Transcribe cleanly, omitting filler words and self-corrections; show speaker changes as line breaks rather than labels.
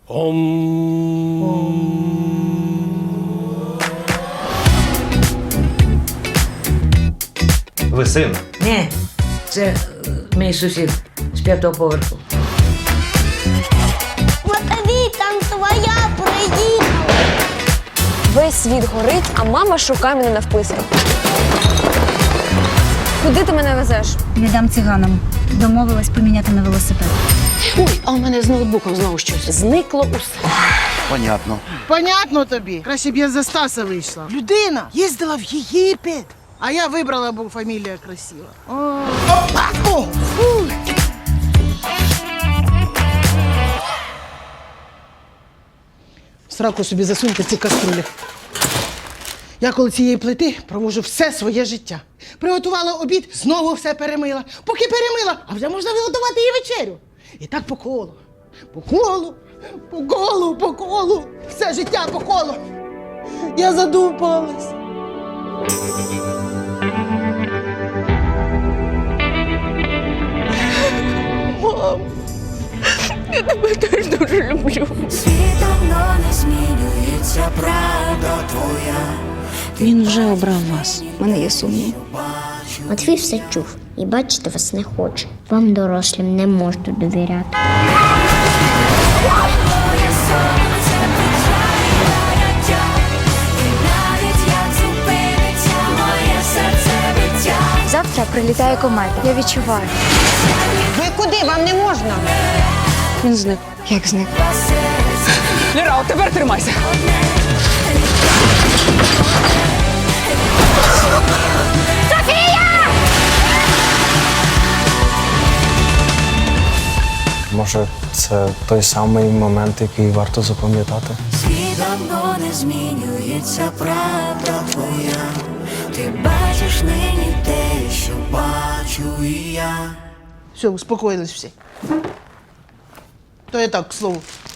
Ви син?
Ні, це мій сусід з 5-го поверху.
Матвій, там твоя приїхала.
Весь світ горить, а мама шукає мене навписки. Куди ти мене везеш?
Віддам циганам. Домовилась поміняти на велосипед.
Ой, а у мене з ноутбуком знову щось. Зникло усе.
Понятно.
Понятно тобі. Краще б я за Стаса вийшла. Людина їздила в Єгипет. А я вибрала, бо фамілія красива. Опа! О! Фу! В сраку собі засуньте ці каструлі. Я коло цієї плити провожу все своє життя. Приготувала обід, знову все перемила. Поки перемила, а вже можна виготувати і вечерю. І так по колу. По колу, по колу, по колу. Все життя по колу. Я задумалась. Мам, я тебе теж дуже люблю.
Він вже обрав вас. У мене є сумнів.
Матвій все чув і бачити вас не хоче. Вам, дорослим, не можна довіряти.
Завтра прилітає комета. Я відчуваю.
Ви куди? Вам не можна.
Він зник.
Як зник?
Ліра, от тепер тримайся.
Може, це той самий момент, який варто запам'ятати?
Світ давно не змінюється, правда твоя. Ти бачиш нині те, що бачу і я.
Все, успокоїлись всі. То я так, к слову.